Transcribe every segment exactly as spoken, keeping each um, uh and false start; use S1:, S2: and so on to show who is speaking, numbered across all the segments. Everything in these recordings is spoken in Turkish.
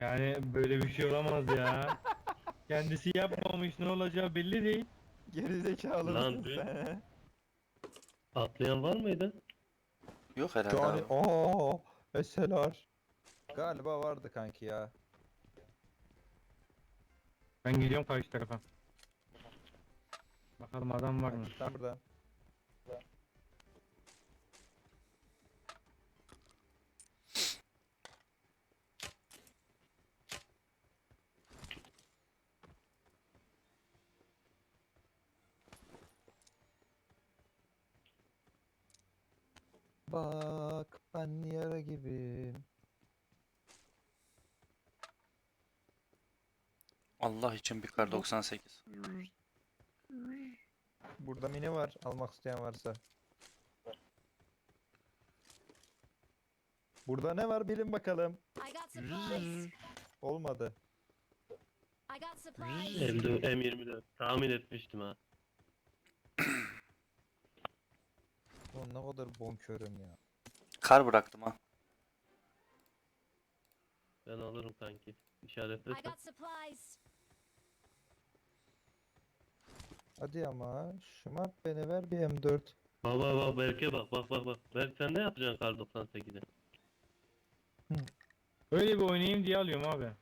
S1: Yani böyle bir şey olamaz ya. Kendisi yapmamış, ne olacağı belli değil.
S2: Gerizekalı
S3: Lan
S2: mısın
S3: dün
S2: sen?
S3: atlayan var mıydı?
S4: Yok herhalde
S2: Cani
S4: abi.
S2: ooo eseler. Galiba vardı kanki ya.
S1: Ben gidiyorum karşı tarafa. Bakalım adam var mı?
S2: Kanki tam burada. Bak ben yara gibiyim.
S4: Allah için bir kar doksan sekiz.
S2: Burada mini var almak isteyen varsa. Burada ne var bilin bakalım.
S5: I got supplies.
S2: Olmadı.
S5: I got supplies.
S3: M dört, M yirmi dört. Tahmin etmiştim ha.
S2: Ulan ne kadar bonkörüm ya.
S4: Kar bıraktım ha.
S3: Ben alırım kanki.
S5: I
S3: İşaretlesen.
S5: got supplies.
S2: Hadi ama şımart beni ver bir M dört.
S3: Bak bak bak Berk'e bak bak bak bak. Berk sen ne yapacaksın kar doksan sekizde?
S1: Öyle bir oynayayım diye alıyorum abi.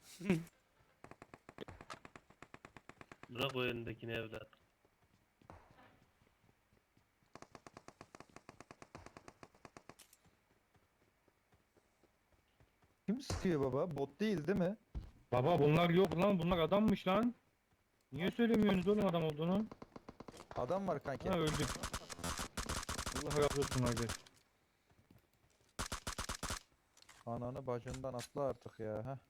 S3: Bırak o elindekini evlat.
S2: Kim sıkıyor baba? Bot değil değil mi?
S1: Baba bunlar yok lan, bunlar adammış lan. Niye söylemiyorsunuz oğlum adam olduğunu?
S2: Adam var kanki.
S1: Ha öldük. Allah razı olsun abi.
S2: Ananı bacından atla artık ya. Heh.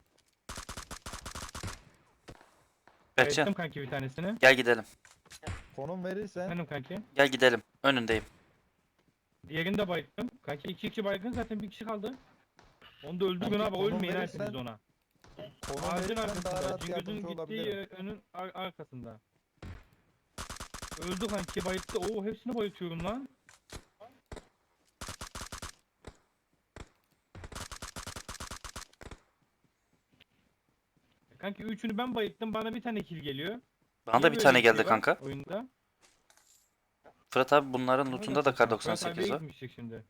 S4: Berkcan
S1: Ettim kanki bir tanesini.
S4: gel gidelim.
S2: Konum verirsen
S1: Benim kanki.
S4: Gel gidelim. Önündeyim.
S1: Diğerini de bayılttım. Kanki iki kişi baygın, zaten bir kişi kaldı. Onu da öldürün
S2: Kanki,
S1: abi,
S2: konum
S1: ölmeyin
S2: verirsen-
S1: hepiniz ona.
S2: konum
S1: Ağacın
S2: verirsen daha
S1: arkasında.
S2: rahat
S1: Cingöz'ün
S2: yardımcı
S1: gittiği
S2: olabilirim.
S1: e, önün ar- arkasında. Öldü kanki, bayılttı. Oo hepsini bayıltıyorum lan. Kanki üçünü ben bayılttım, bana bir tane kill geliyor.
S4: Bana da
S1: Niye
S4: bir
S1: böyle
S4: tane
S1: şey
S4: geldi
S1: var
S4: kanka.
S1: Oyunda.
S4: Fırat abi bunların
S1: Ne
S4: lootunda
S1: kadar
S4: da kar
S1: saçma.
S4: doksan
S1: Fırat
S4: sekiz
S1: abiye
S4: var.
S1: gitmiştik şimdi.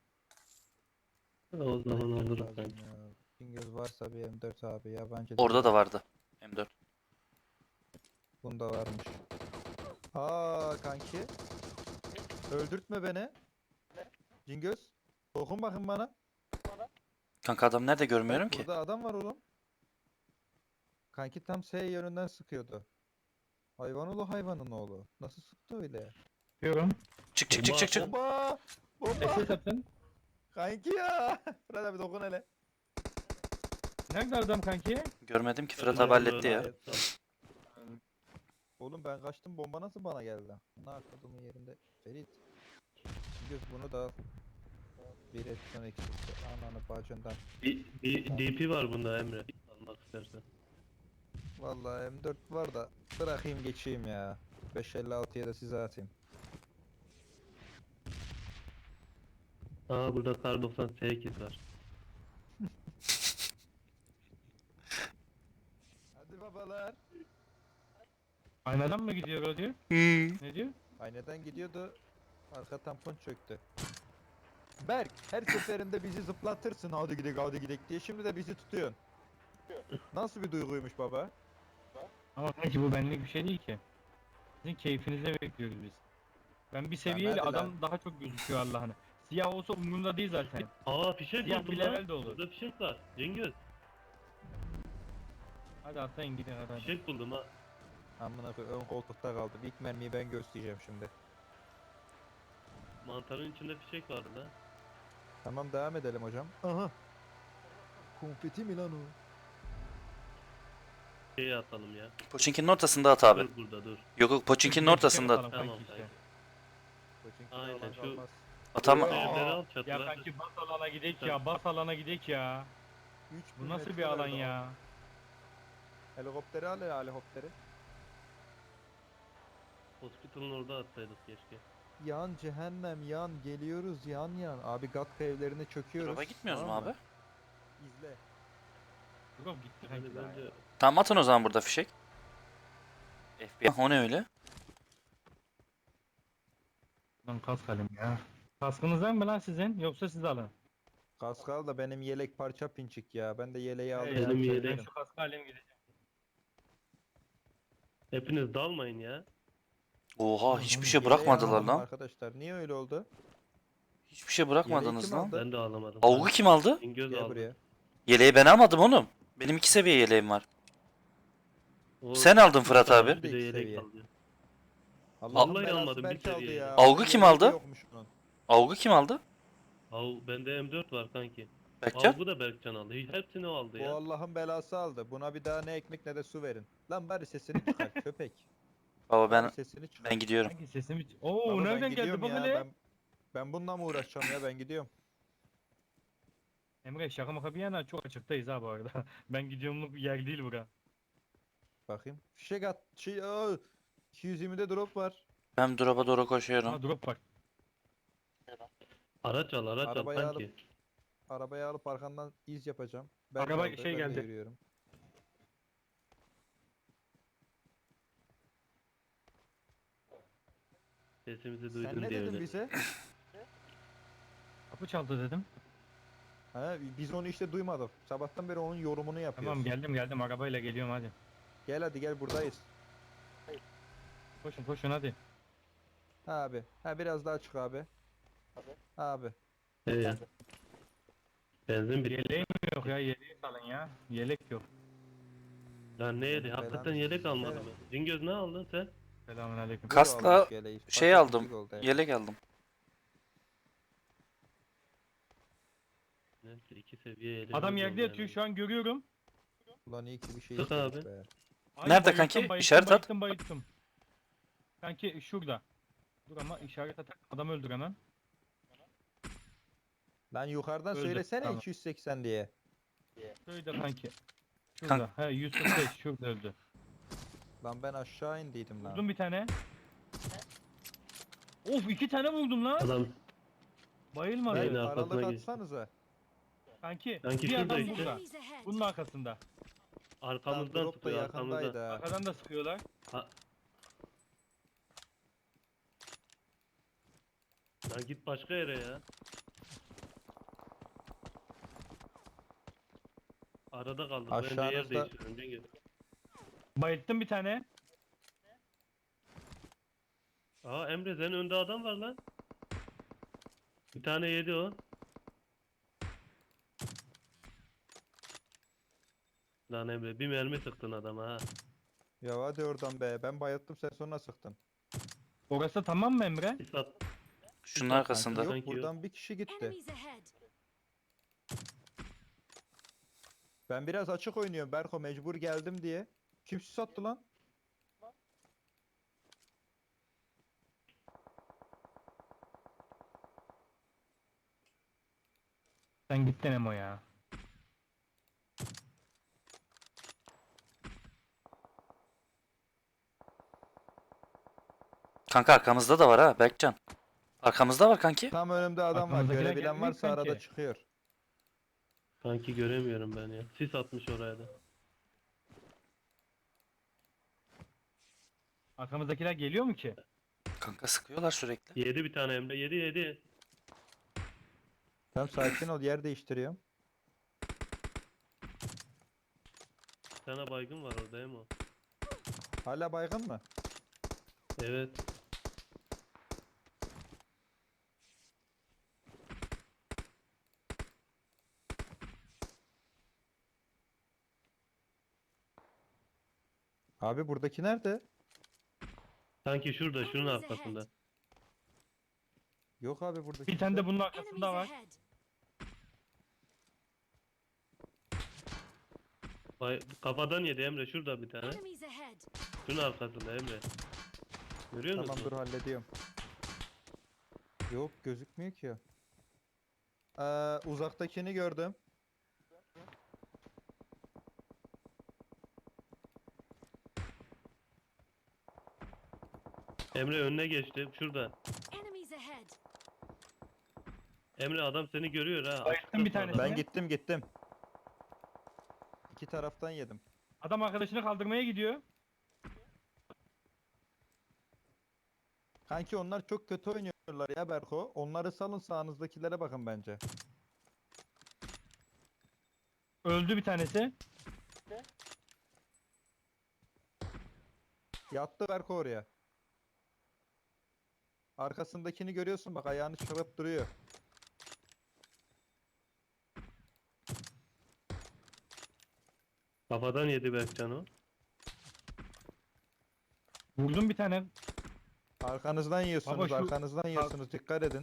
S3: O zaman alırım
S2: Lazım
S3: kanki.
S2: ya. Cingöz varsa bir M dört abi yabancı
S4: Orada
S2: değil.
S4: da vardı. M dört.
S2: Bunda varmış. Aa kanki. Öldürtme beni. Cingöz. Dokun bakın bana.
S4: Kanka adam nerede görmüyorum
S2: Bak,
S4: ki.
S2: burada adam var oğlum. Kanki tam S yönünden sıkıyordu. Hayvan oğlu hayvanın oğlu. Nasıl sıktı öyle?
S1: Diyorum.
S4: Çık çık çık çık çık.
S2: Bomba! Bomba!
S1: S S atın.
S2: Kanki ya! Fırat abi dokun hele.
S1: Nerede adam kanki?
S4: Görmedim ki Fırat
S3: Ben
S4: abi halletti
S3: böyle
S4: ya.
S3: yapsam.
S2: Oğlum ben kaçtım, bomba nasıl bana geldi? Ne arkadımın yerinde. Ferit. Cingöz bunu da al. Bir etken eksikti. Ananı bacından.
S3: Bir, bir D P var bunda Emre. Almak istersen.
S2: Vallahi M dört var da bırakayım geçeyim ya. beş elli altıya da size atayım.
S3: Aa burada kar doksan sekiz var.
S2: Hadi babalar.
S1: Aynadan mı gidiyor o diyor?
S4: Hmm.
S1: Ne diyor?
S2: Aynadan gidiyordu. Arka tampon çöktü. Berk her seferinde bizi zıplatırsın hadi gidek hadi gidek diye, şimdi de bizi tutuyorsun. Nasıl bir duyguymuş baba?
S1: Ama kanki bu benlik bir şey değil ki. Sizin keyfinize bekliyoruz biz. Ben bir seviyeyle
S2: hadi lan.
S1: adam daha çok gözüküyor Allah'ını. Siyah olsa umurumda değil zaten.
S3: Aa fişek
S1: Siyah
S3: buldum
S1: bir
S3: lan.
S1: level de olur.
S3: Burada fişek var. Cengiz.
S1: Hadi atlayın gidin hadi.
S3: Fişek buldum ha.
S2: Amına koyayım, ön koltukta kaldım. İlk mermiyi ben göstereceğim şimdi.
S3: Mantarın içinde fişek vardı lan.
S2: Tamam devam edelim hocam. Aha. Konfeti mi lan o?
S3: Şeye atalım ya.
S4: Poçinki'nin ortasında at abi.
S3: Dur burada dur.
S4: Yok yok Poçinki'nin ortasında at.
S1: Atalım
S3: Tamam,
S1: kanki işte.
S3: kanki.
S2: Koçinki
S3: Aynen,
S2: olan
S3: şu-
S2: kalmaz.
S4: Atama.
S2: Aa,
S3: Evleri al
S1: Ya
S3: çatılar.
S1: kanki bas alana gidek ya, bas alana gidek ya.
S2: üç
S1: Bu
S2: bin
S1: nasıl bir
S2: metre
S1: alan
S2: verdi
S1: ya?
S2: adam. Helikopteri al ya helikopteri.
S3: Hospital'ın orada atsaydık keşke.
S2: Yan cehennem yan geliyoruz yan yan. Abi Gatka evlerine çöküyoruz.
S4: Drop'a gitmiyoruz mu
S2: tamam
S4: abi?
S2: mı? İzle.
S1: Drop gitti
S3: Yani
S1: kanki daha
S3: bence
S1: ya.
S4: Tamam atın o zaman burada fişek. F B I. O ne öyle?
S1: Lan kask alayım ya. Kaskınız var mı lan sizin? Yoksa siz alın.
S2: Kaskal da benim yelek parça pinçik ya. Ben de yeleği
S1: He
S2: aldım.
S1: ya,
S3: Benim
S1: ben
S3: yelek-
S1: şu kaskı alayım gideceğim.
S3: hepiniz dalmayın ya.
S4: Oha hiçbir
S1: Oğlum,
S4: şey
S2: Yeleği
S4: bırakmadılar
S2: almadım
S4: lan.
S2: arkadaşlar. Niye öyle oldu?
S4: Hiçbir şey bırakmadınız
S2: kim
S4: lan.
S2: aldı?
S3: Ben de alamadım.
S4: Avgu kim aldı?
S3: İngöz
S2: Gel
S3: aldı.
S2: buraya.
S4: Yeleği ben almadım oğlum. Benim iki seviye yeleğim var.
S3: O
S4: Sen aldın
S3: üç
S4: Fırat
S3: tane,
S4: abi.
S3: Bir de
S2: İki
S3: yelek
S2: seviye.
S3: aldı.
S2: Allah'ın
S3: Vallahi
S2: belası
S3: almadım, bir
S2: Berk aldı
S3: seviye
S2: ya.
S3: yelek.
S4: Avgu
S2: Onun
S4: kim
S2: yeleği
S4: aldı?
S2: de yokmuş bunun.
S4: Avgu kim aldı?
S3: Av, bende M dört var kanki.
S4: Berkcan?
S3: Avgu da Berkcan aldı. Hiç- Hepsini o aldı
S2: Bu
S3: ya.
S2: Allah'ın belası aldı. Buna bir daha ne ekmek ne de su verin. Lan bari sesini çıkar köpek.
S4: Baba
S2: Bari
S4: ben
S2: sesini çıkar.
S4: ben gidiyorum.
S1: Kanki sesimi... Oo
S2: Baba ben
S1: nereden geldi
S2: gidiyorum
S1: bak
S2: ya.
S1: hele?
S2: Ben, ben bununla mı uğraşacağım ya ben gidiyorum.
S1: Emre şaka maka bir yana çok açıktayız ha bu arada. Ben gidiyorumluk yer değil bura.
S2: Bakayım. Fişek at. Şey, aa, iki yüz yirmide drop var.
S4: Ben drop'a doğru koşuyorum.
S1: Ha drop var.
S3: Araç al araç al
S2: Arabayı
S3: kanki.
S2: Arabaya alıp arkandan iz yapacağım. Ben
S1: Araba
S2: kaldı,
S1: şey
S2: ben de
S1: geldi.
S2: yürüyorum.
S3: Sesimizi
S2: Sen
S3: duydun
S2: ne
S3: diye
S2: dedin
S3: öyle.
S2: bize?
S1: Kapı çaldı dedim.
S2: Ha, biz onu işte duymadık. Sabahtan beri onun yorumunu yapıyoruz.
S1: Tamam geldim geldim arabayla geliyorum hadi.
S2: Gel hadi gel buradayız.
S1: Koşun koşun hadi.
S2: Ha abi. Ha biraz daha çık abi. Abi.
S3: Ee, benzin bitti.
S1: Yeleğim yok ya yeleği salın ya. Yelek yok.
S3: Lan ne yedi?
S2: Belanı
S3: Hakikaten yelek
S2: sikeyim.
S3: almadım ben. Cingöz ne aldın sen?
S1: Selamünaleyküm.
S2: Bu da
S4: Kaskla
S2: almış yeleği.
S4: şey
S2: Fark
S4: aldım.
S2: ettik oldu, evet.
S4: Yelek aldım.
S3: Neyse iki seviye yelek.
S1: Adam yerde yatıyor şu an görüyorum.
S2: Ulan iyi ki bir şey
S3: Sık
S2: istedik
S3: abi.
S2: be.
S1: Ay,
S4: Nerede
S1: bayılttım,
S4: kanki?
S1: bayılttım,
S4: İşaret at.
S1: bayılttım, bayılttım. Kanki şurada. Dur ama işaret atak adam öldür hemen.
S2: Lan yukarıdan
S1: Öldü,
S2: söylesene
S1: tamam.
S2: iki yüz seksen diye.
S1: Şurada kanki. Şurada. He yüz kırk beş şurada öldü.
S2: Lan ben aşağı indiydim lan.
S1: Vurdum bir tane. Of iki tane vurdum lan.
S3: Adam
S1: Bayılmadı.
S2: Ben
S3: Beyler. arkasına
S2: aralık
S3: geçti.
S2: atsanıza.
S1: Kanki,
S3: Kanki
S1: bir
S3: şurada
S1: adam
S3: işte.
S1: burada.
S5: Enemies ahead.
S1: Bunun arkasında.
S2: Lan
S3: arkamızdan
S2: drop da
S3: tutuyor
S2: yakındaydı
S3: arkamızdan.
S2: ha.
S1: Arkadan da sıkıyorlar.
S3: Lan git başka yere ya. Arada kaldık. Bence yer
S2: Aşağınızda-
S3: değiştirelim Cengiz.
S1: Bayılttım bir tane.
S3: Aa Emre senin önde adam var lan. Bir tane yedi o. Lan Emre bir mermi sıktın adama ha.
S2: Ya hadi oradan be. Ben bayılttım sen sonra sıktın.
S1: Orası tamam mı Emre?
S3: Bir sat.
S4: Şunun
S3: Kanki
S4: arkasında.
S3: yok.
S2: Yok buradan bir kişi gitti.
S5: Enemies ahead.
S2: Ben biraz açık oynuyorum Berko mecbur geldim diye. Kim sattı lan?
S1: Sen gittin Emo ya.
S4: Kanka arkamızda da var ha Berkcan. Arkamızda var kanki.
S2: Tam önümde adam var.
S1: Aklınıza gelen
S2: Görebilen
S1: gelmiyor
S2: varsa arada
S1: sanki.
S2: çıkıyor.
S3: Kanki göremiyorum ben ya. Sis atmış oraya da.
S1: Arkamızdakiler geliyor mu ki?
S4: Kanka sıkıyorlar sürekli.
S3: Yedi bir tane Emre. Yedi yedi.
S2: Tamam sakin ol yer değiştiriyorum.
S3: Bir tane baygın var orada Emo.
S2: Hala baygın mı?
S3: Evet.
S2: Abi buradaki nerede?
S3: Sanki şurada şunun
S5: Enemies
S3: arkasında.
S5: ahead.
S2: Yok abi buradaki.
S1: Bir tane de bunun
S5: Enemies
S1: arkasında var.
S5: ahead.
S3: Bay kafadan yedi Emre şurada bir tane.
S5: Enemies ahead.
S3: Şunun arkasında Emre. Görüyor
S2: Tamam
S3: musun?
S2: dur hallediyorum. Yok gözükmüyor ki. Ee, uzaktakini gördüm.
S3: Emre önüne geçti. Şurada.
S5: Enemies ahead.
S3: Emre adam seni görüyor ha.
S1: Bayılttım bir
S3: Açıkta
S1: tanesini.
S3: sağda.
S2: Ben gittim gittim. İki taraftan yedim.
S1: Adam arkadaşını kaldırmaya gidiyor.
S2: Kanki onlar çok kötü oynuyorlar ya Berko. Onları salın, sağınızdakilere bakın bence.
S1: Öldü bir tanesi.
S2: Yattı Berko oraya. Arkasındakini görüyorsun bak, ayağını çıkarıp duruyor.
S3: Kafadan yedi Berkcan o.
S1: Vurdum bir tane.
S2: Arkanızdan yiyorsunuz,
S1: Baba şu-
S2: arkanızdan yiyorsunuz. Dikkat edin.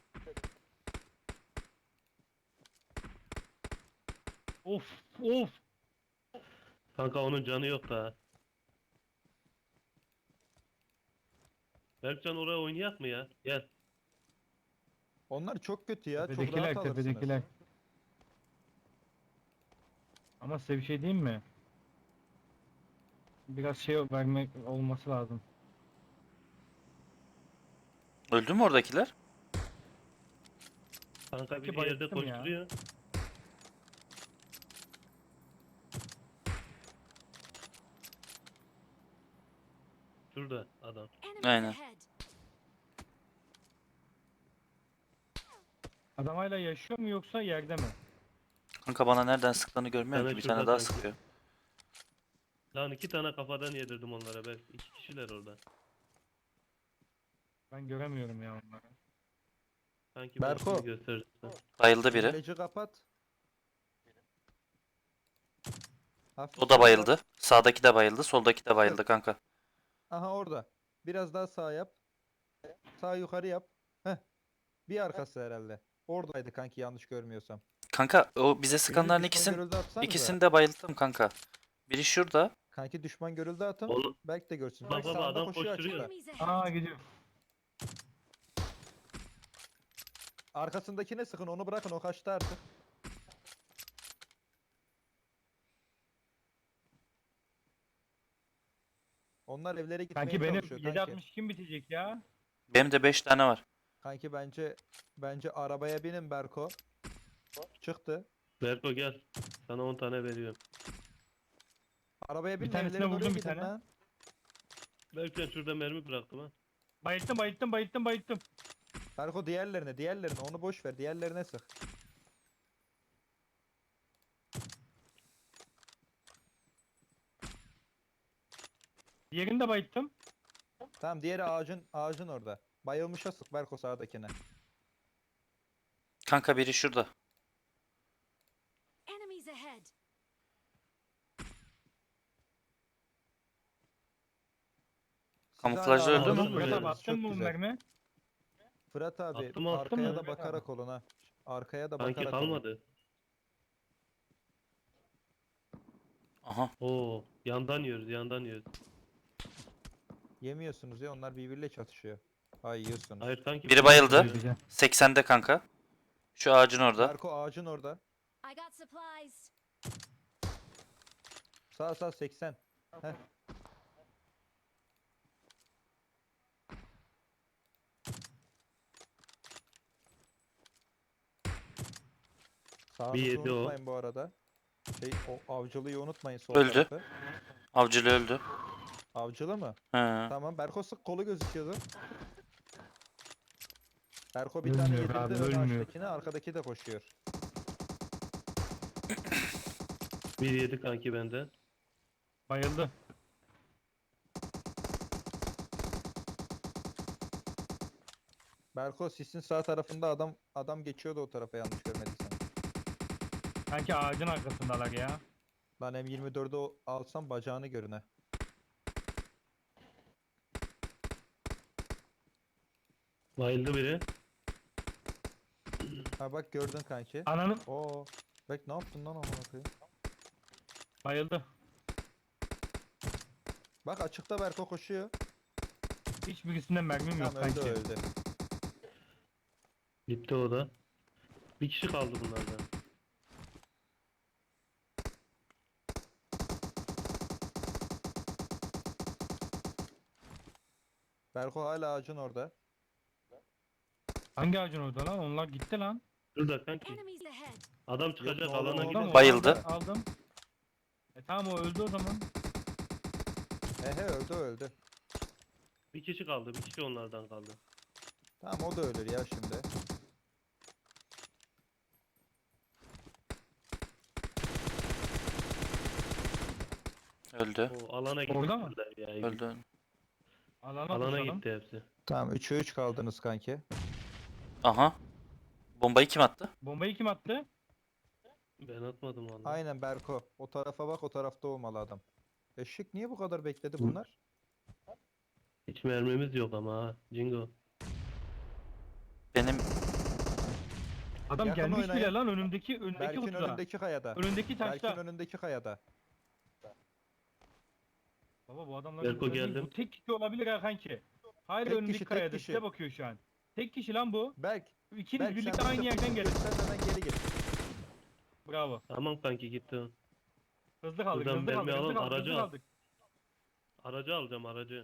S1: Of of.
S3: Kanka onun canı yok daha. Berkcan oraya oynayak mı ya? Gel.
S2: Onlar çok kötü ya. Çok
S1: Tepedekiler
S2: rahat alırsınız.
S1: tepedekiler. Ama size bir şey diyeyim mi? Biraz şey vermek olması lazım.
S4: Öldü mü oradakiler?
S3: Kanka bir
S1: Sanki
S3: yerde
S1: bayılttım ya.
S3: koşturuyor. Şurada adam.
S5: Enemies
S4: Aynen.
S5: ahead.
S1: Adam hala yaşıyor mu yoksa yerde mi?
S4: Kanka bana nereden sıktığını görmüyorum
S3: Sana
S4: ki. Bir tane
S3: şurada
S4: daha
S3: kanki.
S4: sıkıyor.
S3: Lan iki tane kafadan yedirdim onlara belki. İki kişiler orada.
S1: Ben göremiyorum ya onları.
S3: Sanki ben
S2: Berko.
S3: şimdi gösterirsin.
S4: Bayıldı biri.
S2: Hileci kapat. Hafif
S4: O da
S2: sola
S4: bayıldı.
S2: yap.
S4: Sağdaki de bayıldı. Soldaki de bayıldı kanka.
S2: Aha orada. Biraz daha sağ yap. Sağ yukarı yap. Heh. Bir arkası herhalde. Oradaydı kanki, yanlış görmüyorsam.
S4: Kanka o bize
S2: Birini
S4: sıkanların
S2: düşman
S4: ikisini,
S2: görüldü atsanıza.
S4: ikisini de bayılttım kanka. Biri şurada.
S2: Kanki düşman görüldü atın.
S3: Oğlum
S2: Belki de görsün.
S3: Bak
S2: Bak
S3: baba,
S2: sağında
S3: adam
S2: koşuyor
S3: koşturuyor.
S2: açıkta.
S5: Enemies ahead.
S1: Aa gidiyor.
S2: Arkasındakine sıkın, onu bırakın, o kaçtı artık. Onlar evlere gitmeye
S1: Kanki benim
S2: çalışıyor kanki.
S1: yedi altmış kim bitecek ya?
S4: Benim de beş tane var.
S2: Kanki bence bence arabaya binin Berko. Çıktı.
S3: Berko gel. Sana on tane veriyorum.
S2: Arabaya
S1: Bir
S2: binin,
S1: tanesine
S2: evlere doğru
S1: vurdum bir
S2: gidin
S1: tane.
S2: lan.
S3: Berkcan şurada mermi bıraktım ha.
S1: Bayılttım bayılttım bayılttım bayılttım.
S2: Berko diğerlerine, diğerlerine onu boş ver. Diğerlerine sık.
S1: Diğerini de bayılttım.
S2: Tamam, diğeri ağacın ağacın orada. Bayılmışa sık Berko, sağdakine.
S4: Kanka biri şurada.
S5: Enemies ahead.
S2: Siz
S4: Kamuflajlı
S2: hala
S3: öldü mü?
S2: ağacın
S3: Fırat
S1: Fırat abi
S2: oradasınız,
S1: attın
S2: çok
S1: mı bu
S2: güzel.
S1: mermi?
S2: Fırat abi
S3: Attım, attım
S2: arkaya
S3: ya.
S2: da
S1: Fırat
S2: bakarak olun ha. Arkaya da
S3: Sanki
S2: bakarak olun.
S3: kalmadı.
S4: Aha.
S3: Oo, yandan yiyoruz, yandan yiyoruz.
S2: Yemiyorsunuz ya, onlar birbiriyle çatışıyor. Ay, yiyorsunuz.
S3: Hayır sanki
S4: Biri bayıldı.
S1: Güzel.
S4: seksende kanka. Şu ağacın orada.
S2: Berko ağacın orada.
S5: I got supplies.
S2: Sağ sağ seksen. Heh. Sağınızı
S3: yedi o.
S2: unutmayın bu arada. Şey, o avcılıyı unutmayın, sol
S4: Öldü.
S2: tarafı.
S4: Avcılı öldü.
S2: Avcılı mı?
S4: He.
S2: Tamam, Berko sık, kolu gözüküyordu. Berko bir tane
S1: Ölmüyor
S2: yedirdi,
S1: abi,
S2: ön
S1: ölmüyor.
S2: ağaçtakine, arkadaki de koşuyor.
S3: bir yedi kanki benden.
S1: Bayıldı.
S2: Berko sisin sağ tarafında adam adam geçiyordu o tarafa, yanlış görmediysen.
S1: Sanki ağacın arkasındalar ya.
S2: Lan M yirmi dördü o- alsam bacağını görüne.
S3: Bayıldı biri.
S2: Ha bak, gördün kanki.
S1: Ananın
S2: Oo. Bek ne yaptın lan amına koyayım?
S1: bayıldı.
S2: Bak açıkta Berko koşuyor.
S1: Hiçbirisinden mermim yok
S2: Tamam, öldü
S1: kanki.
S2: öldü.
S3: Gitti o da. Bir kişi kaldı bunlardan.
S2: Berko hala ağacın orada.
S1: Hangi ağacın orada lan? Onlar gitti lan.
S3: Şurada kanki.
S5: Enemies ahead.
S3: Adam çıkacak
S2: Yok,
S3: alana
S2: oğlum,
S3: gidiyor.
S1: Tamam,
S4: Bayıldı.
S1: aldım, aldım. Tamam o öldü o zaman.
S2: He he öldü öldü.
S3: Bir kişi kaldı. Bir kişi onlardan kaldı.
S2: Tamam o da ölür ya şimdi.
S4: Öldü.
S3: O alana gitti.
S1: Orada mı?
S3: Ya.
S4: Öldü.
S1: Alana,
S3: Alana
S1: koşalım.
S3: gitti hepsi.
S2: Tamam üçe üç kaldınız kanki.
S4: Aha. Bombayı kim attı?
S1: Bombayı kim attı?
S3: Ben atmadım vallahi.
S2: Aynen Berko. O tarafa bak o tarafta olmalı adam. Eşek niye bu kadar bekledi bunlar?
S3: Hiç mermimiz yok ama ha. Jingo.
S4: Benim
S1: Adam
S2: Yakın
S1: gelmiş
S2: oynayın.
S1: bile lan önündeki önündeki
S2: Berk'in
S1: kutuda.
S2: önündeki kayada.
S1: Önündeki
S2: Berk'in
S1: taşta.
S2: önündeki kayada.
S1: Baba bu adamlar
S3: Berko
S1: burada değil.
S3: geldim.
S1: Bu tek kişi olabilir ha kanki. Hayır
S2: Tek
S1: önündeki
S2: kişi, tek
S1: kayada
S2: kişi.
S1: size bakıyor şu an. Tek kişi lan bu.
S2: Berk.
S1: İkiniz
S2: Berk
S1: birlikte
S2: sen
S1: aynı
S2: bize
S1: yerden
S2: fırsat
S1: gelin.
S2: göstermeden geri git.
S1: Bravo.
S3: Tamam kanki gitti o.
S1: Hızlı kaldık,
S3: Buradan
S1: hızlı kaldık,
S3: mermi
S1: hızlı
S3: alalım,
S1: kaldık,
S3: aracı
S1: hızlı
S3: al.
S1: kaldık.
S3: Aracı alacağım aracı.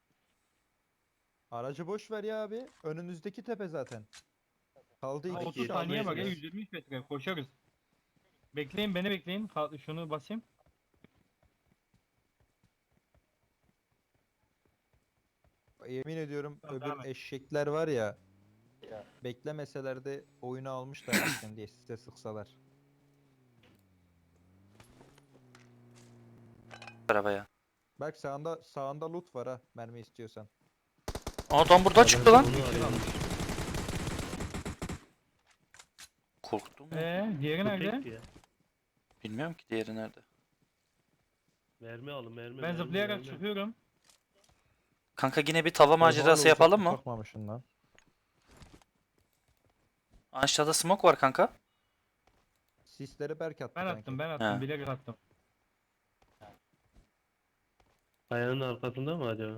S2: Aracı boş ver ya abi. Önünüzdeki tepe zaten. Kaldı
S1: Ha,
S2: iki
S1: otuz
S2: kişi
S1: saniye var ya
S2: alıyorsunuz.
S1: yüz yirmi metre koşarız. Bekleyin beni bekleyin. Ka- Şunu basayım.
S2: Yemin ediyorum
S1: Tamam,
S2: öbür
S1: devam et.
S2: eşekler var ya. Beklemeseler de oyunu almışlar zaten diye size sıksalar.
S4: arabaya.
S2: Berk sağında sağında loot var ha mermi istiyorsan.
S4: Adam buradan çıktı lan.
S3: Onu arıyorum.
S4: Korktum mu?
S1: Ee, diğeri
S3: Bu
S1: nerede?
S3: tekti ya.
S4: Bilmiyorum ki diğeri nerede.
S3: Mermi alın mermi.
S1: Ben
S3: mermi,
S1: zıplayarak
S3: mermi.
S1: çıkıyorum.
S4: Kanka yine bir tava macerası
S2: Oha,
S4: yapalım
S2: uzak
S4: mı?
S2: bakmamışsın lan.
S4: Aşağıda smoke var kanka.
S2: Sisleri Berk attı
S1: Ben
S2: kanki.
S1: attım, ben attım,
S4: Ha.
S1: bilerek attım.
S3: Kayanın arkasında mı acaba?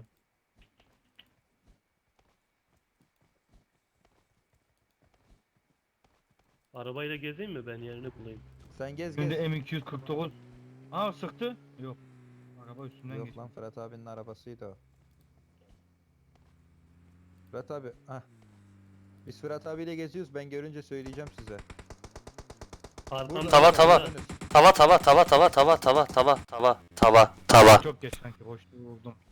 S3: Arabayla gezeyim mi ben yerini bulayım?
S2: Sen gez
S1: Şimdi
S2: gez.
S1: M iki yüz kırk dokuz. Aa sıktı. Yok. Araba üstünden
S2: Yok
S1: geçti.
S2: lan Fırat abinin arabasıydı o. Fırat abi ah. Biz Fırat abiyle geziyoruz ben görünce söyleyeceğim size.
S3: Arkamda
S4: Tava, tava.
S2: önünüz.
S4: Tava tava tava tava tava tava tava tava tava tava.
S1: Çok geç sanki boşluğu vurdum.